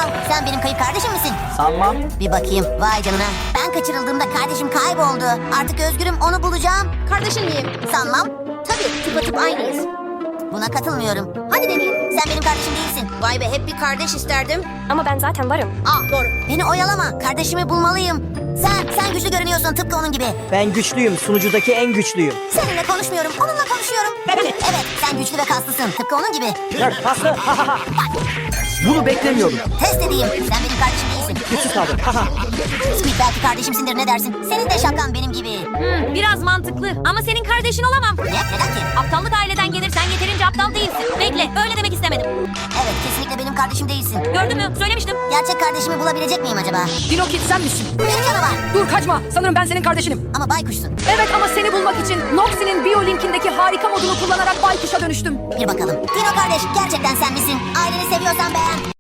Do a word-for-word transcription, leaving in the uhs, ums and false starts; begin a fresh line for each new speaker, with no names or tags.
Wow, sen benim kayıp kardeşim misin?
Sanmam.
Bir bakayım. Vay canına. Ben kaçırıldığımda kardeşim kayboldu. Artık özgürüm, onu bulacağım.
Kardeşin miyim?
Sanmam.
Tabii, tıpatıp aynıyız.
Buna katılmıyorum.
Hadi deneyelim.
Sen benim kardeşim değilsin.
Vay be, hep bir kardeş isterdim.
Ama ben zaten varım.
Ah, doğru.
Beni oyalama. Kardeşimi bulmalıyım. Sen, sen güçlü görünüyorsun tıpkı onun gibi.
Ben güçlüyüm. Sunucudaki en güçlüyüm.
Seninle konuşmuyorum, onunla konuşuyorum. Evet, sen güçlü ve kaslısın. Tıpkı onun gibi.
Nerd paslı. Bunu beklemiyordum.
Test edeyim. Sen benim kardeşim değilsin.
Güçsüz kaldım. Haha.
Squid belki kardeşimsindir, ne dersin? Senin de şapkan benim gibi.
Hmm, biraz mantıklı ama senin kardeşin olamam.
Ne? Neden ki?
Aptallık aileden gelirsen yeterince aptal değilsin. Bekle, öyle demek istemedim.
Evet, kesinlikle benim kardeşim değilsin.
Gördün mü? Söylemiştim.
Gerçek kardeşimi bulabilecek miyim acaba?
Dinokit sen misin?
Bir canavar.
Dur kaçma. Sanırım ben senin kardeşinim.
Ama baykuşsun.
Evet ama seni bulmak için Noxie'nin biyolinkindeki harika modunu kullanarak baykuşa dönüştüm.
Bir bakalım. Dino kardeş, gerçekten sen misin? Aileni seviyorsan beğen.